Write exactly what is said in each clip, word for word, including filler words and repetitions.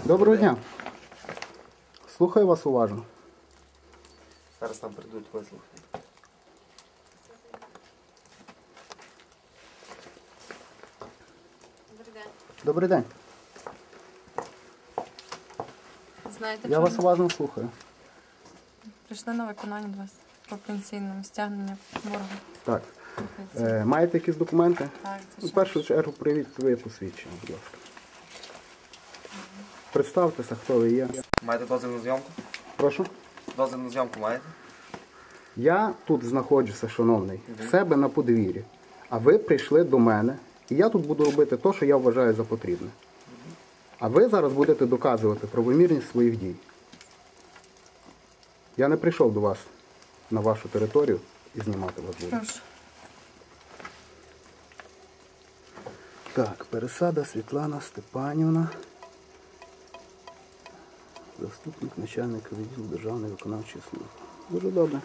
Доброго дня. Слухаю вас уважно. Зараз там прийдуть вислухати. Добрий день. Добрий день. Знаєте, Я що вас ми уважно слухаю. прийшли на виконання до вас по пенсійному стягнення боргу. Так. по пенсії. Е, маєте якісь документи? Так, В звичайно. першу чергу привіть своє посвідчення, будь ласка. Представтеся, хто ви є. Маєте дозвіл на зйомку? Прошу. Дозвіл на зйомку маєте? Я тут знаходжуся, шановний, в себе на подвір'ї. А ви прийшли до мене, і я тут буду робити те, що я вважаю за потрібне. А ви зараз будете доказувати правомірність своїх дій. Я не прийшов до вас на вашу територію і знімати вас буду. Прошу. Так, Пересада Світлана Степанівна, заступник начальника відділу Державної виконавчої служби. Дуже добре.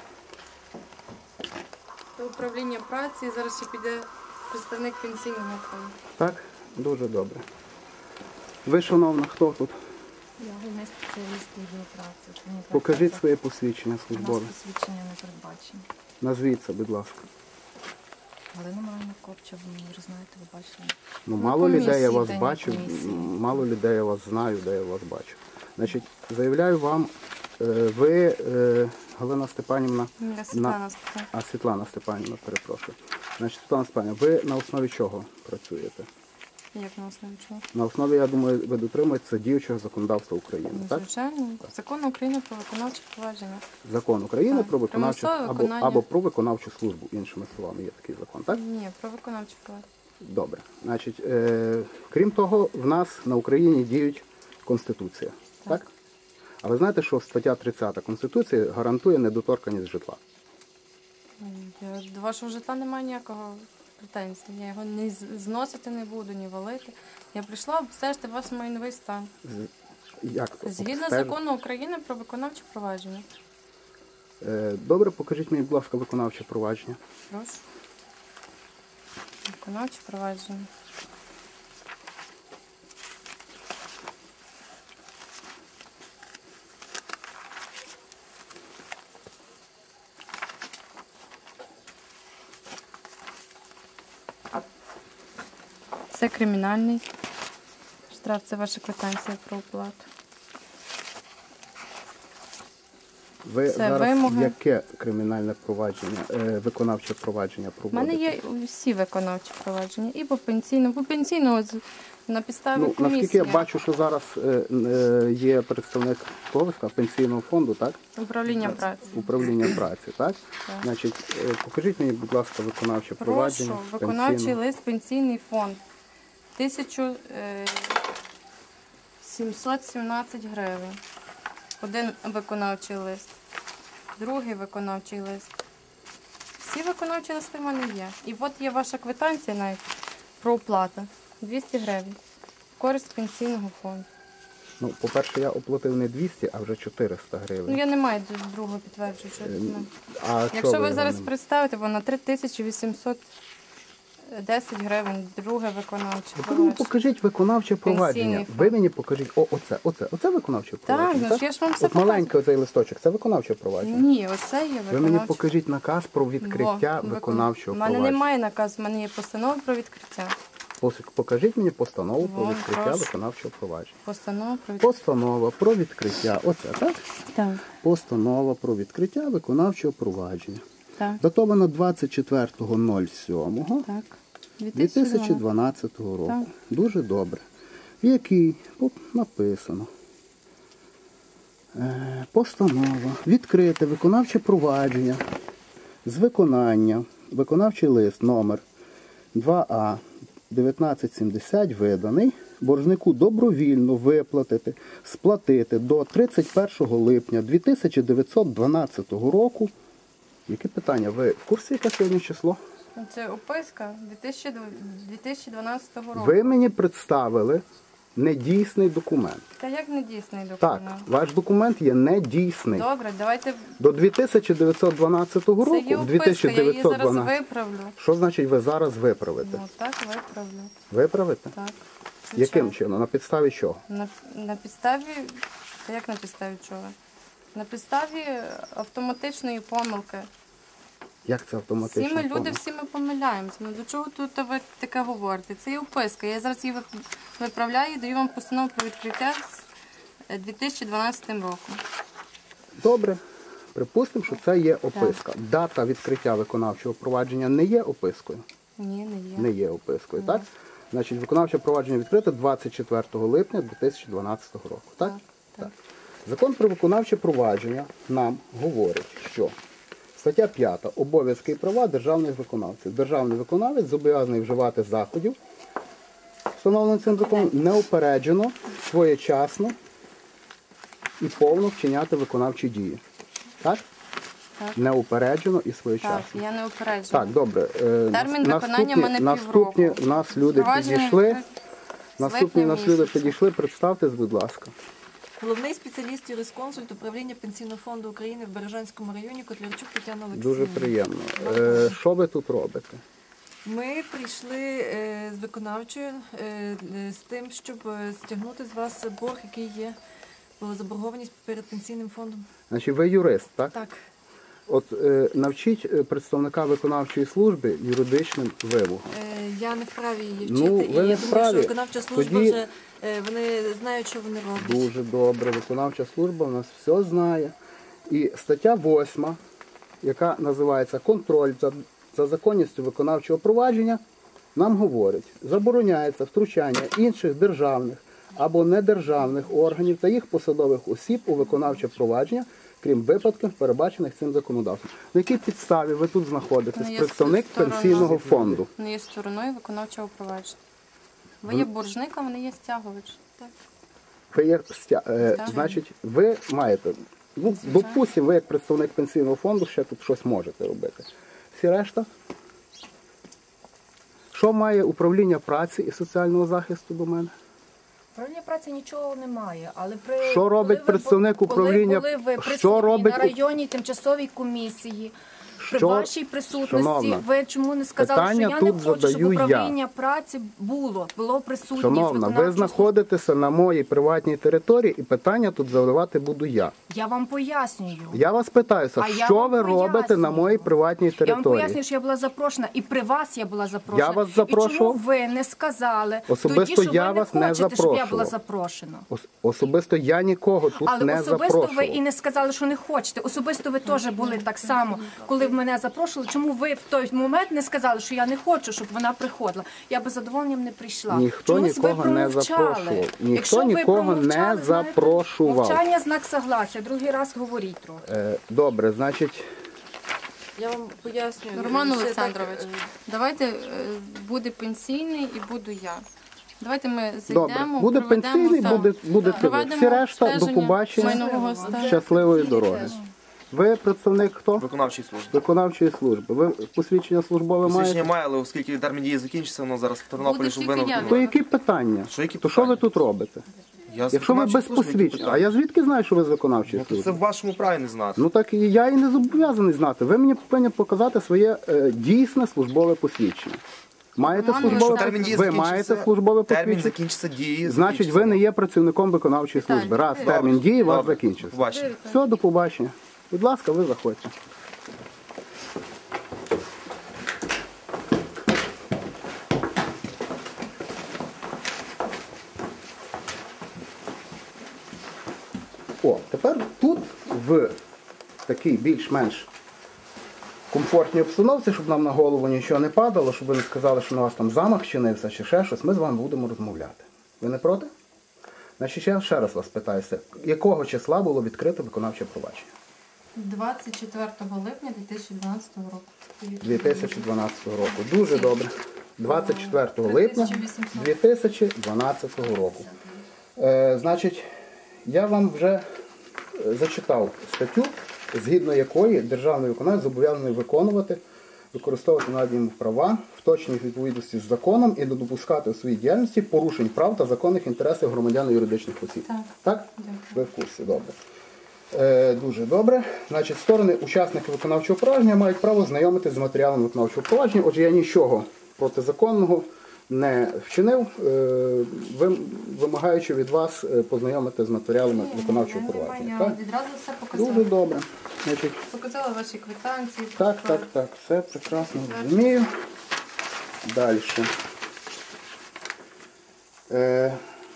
До управління праці зараз ще піде представник пенсійного фонду. Так, дуже добре. Ви, шановна, хто тут? Я головний спеціаліст відділу праці. Мені Покажіть працюється. своє посвідчення У нас службове. посвідчення не передбачено. Назвіться, будь ласка. Галина Миронівна Копча, ви вже знаєте, ви бачили. Ну, Ну, мало комісії, людей я вас день бачив, комісії. м, мало людей я вас знаю, де я вас бачив. Значить, заявляю вам, е, ви, е, Галина Степанівна, Я Світлана спитаю. а Світлана Степанівна, перепрошую. Значить, Світлана Степанівна, ви на основі чого працюєте? Як на основі чого? На основі, я думаю, ви дотримуєтеся діючого законодавства України, Ну, так? звичайно. Закон України про виконавче провадження. Закон України Так. про виконавчу Примусове або, виконання. або про виконавчу службу, іншими словами, є такий закон, так? Ні, про виконавче провадження. Добре. Значить, е, крім того, в нас на Україні діють Конституція, так? Так. А ви знаєте, що стаття тридцята Конституції гарантує недоторканність житла? Я до вашого житла немає ніякого претензій. Я його ні з- зносити не буду, ні валити. Я прийшла обстежити ваш майновий стан. Як то? Згідно Обстежити? закону України про виконавче провадження. Е, Добре, покажіть мені, будь ласка, виконавче провадження. Прошу. Виконавче провадження. Це кримінальний штраф, це ваша квитанція про оплату. Ви Це зараз вимоги. яке кримінальне провадження, е, виконавче провадження У проводите? мене є всі виконавчі провадження. І по пенсійному. По пенсійному з- на підставі Ну, комісії. наскільки я бачу, що зараз е, е, є представник Ковська пенсійного фонду, так? Управління праці. Управління праці, так? Так. Значить, е, покажіть мені, будь ласка, виконавче провадження. Прошу, виконавчий пенсійного. лист, пенсійний фонд. тисяча сімсот сімнадцять гривень. Один виконавчий лист. Другий виконавчий лист. Всі виконавчі листи в мене є. І от є ваша квитанція навіть про оплату. двісті гривень. В користь пенсійного фонду. Ну, по-перше, я оплатив не двісті, а вже чотириста гривень. Ну я не маю другого підтверджуючого документу. А Якщо чого ви його зараз не- представите, воно три тисячі вісімсот десять гривень, друге виконавче Ви мені провадження. покажіть виконавче провадження. Пенсійний Ви фонд. мені покажіть, о, оце, оце, оце виконавче провадження. ну ж я ж вам все От маленький оцей листочок, це виконавче провадження. Ні, оце є виконавче. Ви мені покажіть наказ про відкриття Во, виконавчого У мене провадження. немає наказу, в мене є постанова про відкриття. Пос- Покажіть мені постанову про Во, відкриття прошу. виконавчого провадження. Постанова про відкриття. Постанова про відкриття, оце, так? Так, Постанова про відкриття виконавчого провадження. так, Датовано двадцять четвертого сьомого так. дві тисячі дванадцятого року. Так. Дуже добре. В якій Оп, написано. Е, Постанова. Відкрите виконавче провадження з виконання. Виконавчий лист номер два А дев'ятнадцять сімдесят виданий. Боржнику добровільно виплатити, сплатити до тридцять першого липня дві тисячі дев'ятсот дванадцятого року. Яке питання? Ви в курсі, яке сьогодні число? Це описка дві тисячі дванадцятого року. Ви мені представили недійсний документ. Та як не дійсний Так, документ? ваш документ є недійсний. Добре, давайте. До дві тисячі дев'ятсот дванадцятого Це року, є в описка, я її зараз 2912. виправлю. Що значить ви зараз виправите? Ну так, виправлю. Виправите? Так. Яким чином? На підставі чого? На, на підставі, та як на підставі чого? На підставі автоматичної помилки. Як це автоматично? Всі ми люди, помилка? всі ми помиляємося. Ну до чого тут ви таке говорите? Це є вписка. Я зараз її вип- виправляю і даю вам постанову про відкриття з дві тисячі дванадцятим роком. Добре. Припустимо, що це є описка. Дата відкриття виконавчого провадження не є опискою? Ні, не є. Не є опискою, так? Значить, виконавче провадження відкрите двадцять четвертого липня дві тисячі дванадцятого року, так? Так, так. Закон про виконавче провадження нам говорить, що стаття п'ята. Обов'язки і права державних виконавців. Державний виконавець зобов'язаний вживати заходів, встановлених цим законом, неупереджено, своєчасно і повно вчиняти виконавчі дії. Так? Так. Неупереджено і Так, своєчасно. я не упереджена. Так, добре. Е, Термін наступні- виконання в мене Наступні півроку. в нас люди Провадження підійшли. відкрите з Наступні в нас липня люди місяця. підійшли. Представтесь, будь ласка. Головний спеціаліст юрисконсульт управління Пенсійного фонду України в Бережанському районі Котлярчук Тетяна Олексіївна. Дуже приємно. Е, що ви тут робите? Ми прийшли е, з виконавчою е, е, з тим, щоб е, стягнути з вас борг, який є про заборгованість перед пенсійним фондом. Значить, ви юрист, так? Так. От е, навчіть е, представника виконавчої служби юридичним вимогам. Е, Я не вправі її вчити, Ну, ви і не я думаю, вправі. що виконавча служба Тоді- вже е, вони знають, що вони роблять. Дуже добре. Виконавча служба у нас все знає. І стаття восьма, яка називається «Контроль за, за законністю виконавчого провадження», нам говорить, забороняється втручання інших державних або недержавних органів та їх посадових осіб у виконавче провадження, крім випадків, передбачених цим законодавством. На якій підставі ви тут знаходитесь? Ну, я Представник сторона. пенсійного фонду. Не є стороною виконавчого провадження. Ви є боржник, а вони є стягувач. Так. Ви є стя... е, Так. значить, ви маєте, ну, допустимо, ви як представник пенсійного фонду ще тут щось можете робити. Всі решта? Що має управління праці і соціального захисту до мене? Управління праці нічого немає, але при Що робить коли ви представник бу- управління- коли були ви що присутні робить на районній тимчасовій комісії, при Що? вашій присутності, Шановна, ви чому не сказали, питання що я тут не хочу, щоб задаю я. управління праці було, було присутнє. Шановна, ви знаходитеся на моїй приватній території і питання тут задавати буду я. Я вам пояснюю. Я вас питаюся, А я що вам ви робите пояснюю. на моїй приватній Я вам території? пояснюю, що я була запрошена, і при вас я була запрошена. Я вас запрошував? І чому ви не сказали Особисто тоді, що я ви вас не не хочете, щоб я була запрошував. запрошена? Ос- Особисто я нікого тут Але не особисто запрошував. ви і не сказали, що не хочете. Особисто ви теж були так само, коли в мене запрошували. Чому ви в той момент не сказали, що я не хочу, щоб вона приходила? Я би з задоволенням не прийшла. Ніхто Чомусь ви нікого не промовчали. запрошував. Ніхто Якщо ви нікого не промовчали, знаєте, запрошував. Мовчання знак согласия. Другий раз говоріть трохи. Е, Добре, значить, Я вам пояснюю. Роман Це так, Олександрович, е, давайте е, буде пенсійний і буду я. Давайте ми добре, зайдемо, буде проведемо, пенсійний, так, буде, буде ви. проведемо Всі решта, до обстеження побачення, майнового стану. щасливої дороги. Ви представник хто? Виконавчої служби. Виконавчої служби. Ви посвідчення службове Посвідчення маєте? має, але оскільки термін дії закінчиться, воно зараз в Тернополі, Буде щоб тільки ви не я. отримали. То які питання? Що, які То що ви питання? тут робите? Я з Якщо ви без виконавчої служби, які посвідчення, а питання? я звідки знаю, що ви з виконавчої Ну, то це служби? в вашому праві не знати. Ну так і я і не зобов'язаний знати. Ви мені повинні показати своє е, дійсне службове посвідчення. Маєте Роман службове Олександрович, Термін дії ви закінчиться, маєте службове термін посвідчення? закінчиться дії. Значить, ви закінчиться. не є працівником виконавчої служби. Віталій, Раз добре. термін дії у вас Добре. закінчився. Побачення. Все, до побачення. Будь ласка, ви заходьте. О, тепер тут в такій більш-менш комфортній обстановці, щоб нам на голову нічого не падало, щоб ви не сказали, що на вас там замах чинився чи ще щось, ми з вами будемо розмовляти. Ви не проти? Значить, я ще раз вас питаюся, якого числа було відкрито виконавче провадження? двадцять четвертого липня дві тисячі дванадцятого року. дві тисячі дванадцятого року. Дуже добре. двадцять четвертого липня три тисячі вісімсот. дві тисячі дванадцятого року. Е, значить, я вам вже е, зачитав статтю, згідно якої державний виконавець зобов'язаний виконувати, використовувати надані йому права в точній відповідності з законом і не допускати у своїй діяльності порушень прав та законних інтересів громадян і юридичних осіб. Так. Так? Дякую. Ви в курсі, добре. Е, дуже добре. Значить, сторони учасники виконавчого провадження мають право знайомитися з матеріалами виконавчого провадження. Отже, я нічого протизаконного не вчинив, е, вим- вимагаючи від вас е, познайомити з матеріалами виконавчого провадження. Я Так? відразу все показала. Дуже добре. Значить, Показала ваші квитанції. так, так, так, все прекрасно розумію. Далі. Е,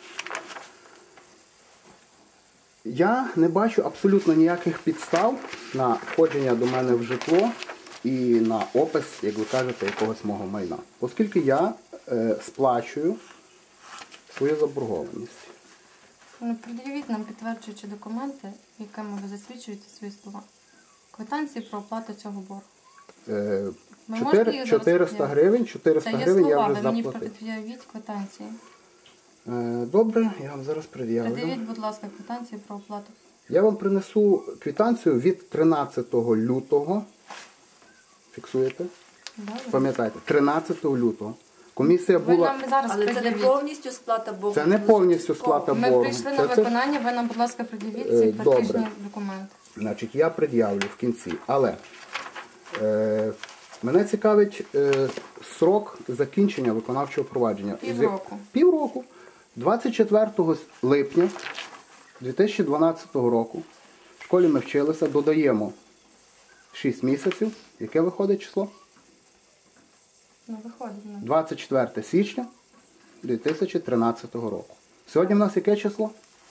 я не бачу абсолютно ніяких підстав на входження до мене в житло і на опис, як ви кажете, якогось мого майна. Оскільки я е, сплачую свою заборгованість. Ну, пред'явіть нам підтверджуючі документи, якими ви засвідчуєте свої слова. Квитанції про оплату цього боргу. Е, Ми чотири- можемо її зараз чотириста пред'явити? гривень, чотириста Це є гривень я слова, вже ви мені заплатив. пред'явіть квитанції. Е, добре, я вам зараз пред'явлю. Пред'явіть, будь ласка, квитанції про оплату. Я вам принесу квитанцію від тринадцятого лютого. Фіксуєте? Добре? Пам'ятайте, тринадцятого лютого. Комісія Ви була... нам зараз Але це не пред'явіть. повністю сплата боргу. Це не повністю частково. сплата Ми боргу. прийшли Це- на це- виконання, ви нам, будь ласка, пред'явіть Е, ці добре. платіжні документи. Значить, я пред'явлю в кінці. Але е, мене цікавить е, срок закінчення виконавчого провадження. Півроку. З- Півроку. двадцять четвертого липня дві тисячі дванадцятого року в школі ми вчилися, додаємо шість місяців. Яке виходить число? Ну, виходить. Ну. двадцять четверте січня дві тисячі тринадцятого року. Сьогодні в нас яке число?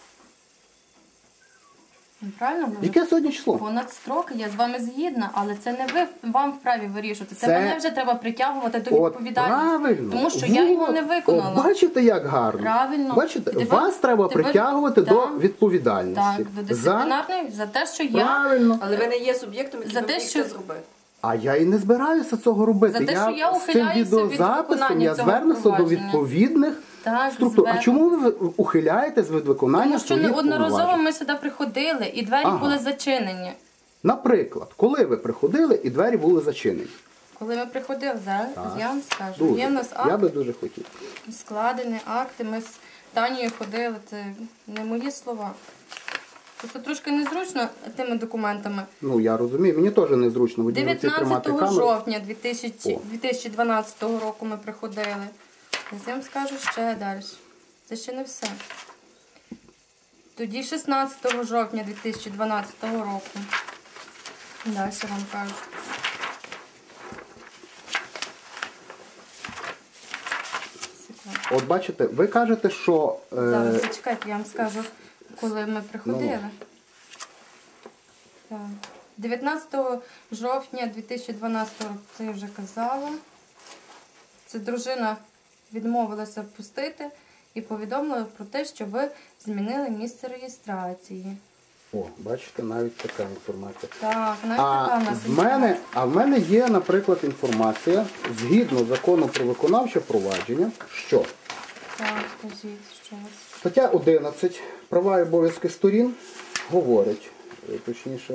Ну, правильно? Ми вже Яке сьогодні число? понад строки, я з вами згідна, але це не ви вам вправі вирішувати. Це, Це- мене вже треба притягувати до От відповідальності. правильно. Тому що я його не От, виконала. от бачите, як гарно. Правильно. Бачите, Тепер- вас треба тепер- притягувати так, до відповідальності. Так, до За... дисциплінарної за те, що я Правильно. Але ви не є суб'єктом, який За би те, міг що- це зробити. А я і не збираюся цього робити. За те, що я з цим ухиляюся від відеозаписом виконання я цього звернуся до провадження. відповідних Так, структур. А звернусь. чому ви ухиляєтесь від виконання тому що своїх неодноразово повноважень? ми сюди приходили і двері Ага. були зачинені. Наприклад, коли ви приходили і двері були зачинені? Коли ми приходили, зараз Так. я вам скажу. Дуже. Є в нас Я акт, би дуже хотів. складені акти, ми з Танією ходили, це не мої слова. Просто трошки незручно тими документами. Ну, я розумію, мені теж незручно в одній руці тримати дев'ятнадцятого камеру. жовтня дві тисячі О. дві тисячі дванадцятого року ми приходили. Я вам скажу ще далі. Це ще не все. Тоді шістнадцятого жовтня дві тисячі дванадцятого року. Далі вам кажу. Секунду. От бачите, ви кажете, що е, Зараз зачекайте, я вам скажу, коли ми приходили. Ну, Так. дев'ятнадцятого жовтня дві тисячі дванадцятого року, це я вже казала. Це дружина відмовилася пустити і повідомила про те, що ви змінили місце реєстрації. о, бачите, навіть така інформація. Так, навіть така А в нас в мене, а в мене є, наприклад, інформація згідно закону про виконавче провадження, що Так, скажіть, що у вас. стаття одинадцять права і обов'язки сторін говорить, е, точніше,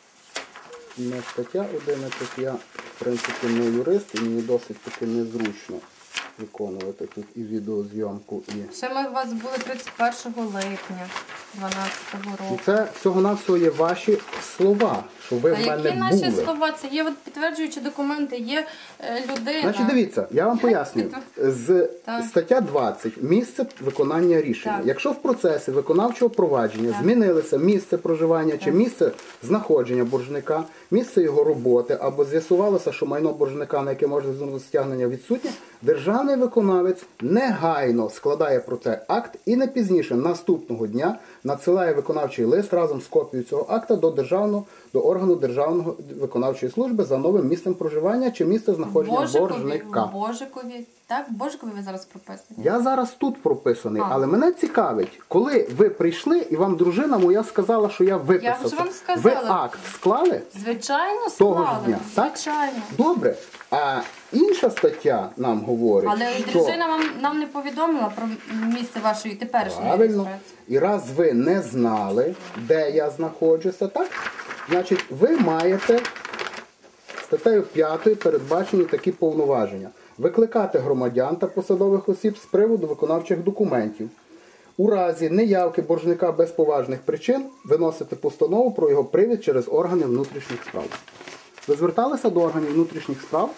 не стаття одинадцять, я в принципі не юрист і мені досить таки незручно виконувати тут і відеозйомку, і Ще ми у вас були тридцять першого липня дванадцятого І року. це всього-навсього є ваші слова, що ви А в мене які наші були. слова? Це є от підтверджуючі документи, є е, людина. Значить, дивіться, я вам пояснюю. З Так. стаття двадцять місце виконання рішення. Так. Якщо в процесі виконавчого провадження змінилося місце проживання чи місце знаходження боржника, місце його роботи, або з'ясувалося, що майно боржника, на яке може звернути стягнення, відсутнє, державний виконавець негайно складає про це акт і не пізніше наступного дня надсилає виконавчий лист разом з копією цього акта до державного до органу Державної виконавчої служби за новим місцем проживання чи місце знаходження Божикові, боржника. Божикові. Так, Божикові ви зараз прописані. Я зараз тут прописаний, А. але мене цікавить, коли ви прийшли і вам дружина моя сказала, що я виписався. Я вже вам сказала. Ви акт склали? Звичайно, Того ж склали. дня, так? Звичайно. Добре. А інша стаття нам говорить, Але що дружина вам нам не повідомила про місце вашої теперішньої правильно. реєстрації. І раз ви не знали, де я знаходжуся, так? Значить, ви маєте статтею п'ятою передбачені такі повноваження. Викликати громадян та посадових осіб з приводу виконавчих документів. У разі неявки боржника без поважних причин виносити постанову про його привід через органи внутрішніх справ. Ви зверталися до органів внутрішніх справ,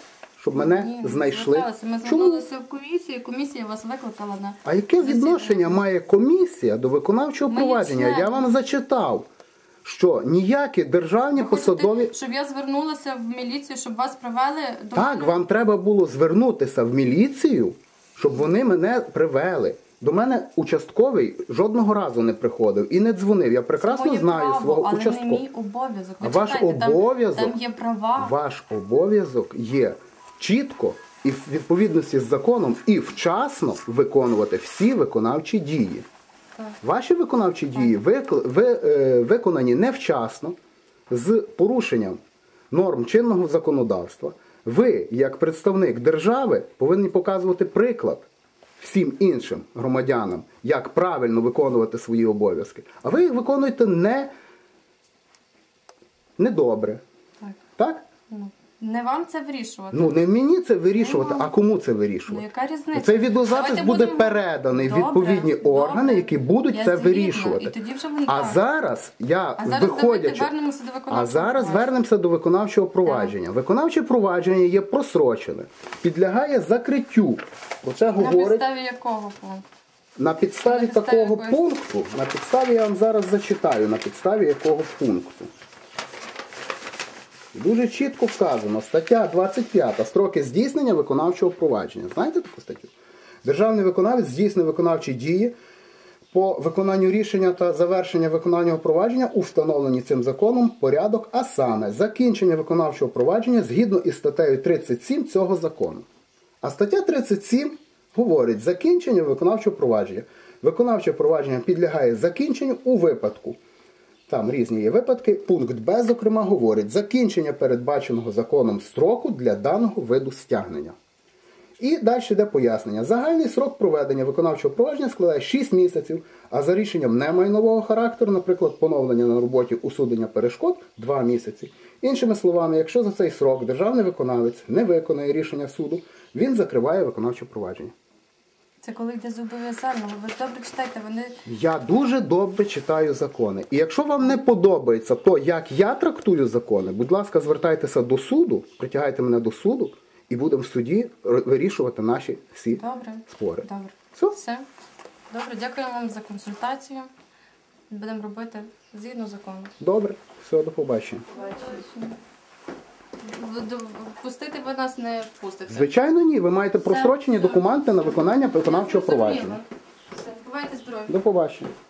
щоб мене Ні, не знайшли. зверталися. Ми Чому? звернулися в комісію, комісія вас викликала на А яке засідання. відношення має комісія до виконавчого Ми є провадження? Я члени. вам зачитав, що ніякі державні Ви хочете, посадові... щоб я звернулася в міліцію, щоб вас привели до Так, мене? вам треба було звернутися в міліцію, щоб вони мене привели. До мене участковий жодного разу не приходив і не дзвонив. Я прекрасно Моє знаю право, свого але участкового. не мій обов'язок. Ви А ваш читайте, там- обов'язок- Там, є права. Ваш обов'язок є чітко і в відповідності з законом і вчасно виконувати всі виконавчі дії. Так. Ваші виконавчі дії викл- ви, е, виконані невчасно, з порушенням норм чинного законодавства. Ви, як представник держави, повинні показувати приклад всім іншим громадянам, як правильно виконувати свої обов'язки. А ви їх виконуєте не недобре. Так. Так? Ну, не вам це вирішувати. Ну, не мені це вирішувати, Ну, а кому це Ну, вирішувати? яка різниця? Цей відеозапис Давайте буде будемо- переданий в Добре, відповідні органи, добре. які будуть Я це згідна, вирішувати. і тоді вже вони А так. зараз я, А зараз давайте виходячи... вернемося до виконавчого А зараз провадження. вернемося до виконавчого провадження. Виконавче провадження є просрочене, підлягає закриттю. Про це На говорить підставі якого пункту? на підставі на підставі такого якоїсь- пункту. На підставі я вам зараз зачитаю, на підставі якого пункту. Дуже чітко вказано, стаття двадцять п'ята, строки здійснення виконавчого провадження. Знаєте таку статтю? Державний виконавець здійснює виконавчі дії по виконанню рішення та завершення виконавчого провадження у встановленні цим законом порядок, а саме закінчення виконавчого провадження згідно із статтею тридцять сім цього закону. А стаття тридцять сім говорить закінчення виконавчого провадження. Виконавче провадження підлягає закінченню у випадку. Там різні є випадки. Пункт Б, зокрема, говорить закінчення передбаченого законом строку для даного виду стягнення. І далі йде пояснення. Загальний срок проведення виконавчого провадження складає шість місяців, а за рішенням немайнового характеру, наприклад, поновлення на роботі усунення перешкод – два місяці. Іншими словами, якщо за цей срок державний виконавець не виконає рішення суду, він закриває виконавче провадження. Це коли йде зобов'язально. Ви ж добре читайте, вони... Я дуже добре читаю закони. І якщо вам не подобається то, як я трактую закони, будь ласка, звертайтеся до суду, притягайте мене до суду, і будемо в суді вирішувати наші всі Добре. спори. Добре. Все? Все. Добре, дякую вам за консультацію. Будемо робити згідно закону. Добре, все, до побачення. В- до- Впустити ви нас не впустите. Звичайно, ні. Ви маєте Все, просрочені все. документи на виконання виконавчого Зрозуміло. провадження. Все. Бувайте здорові. До побачення.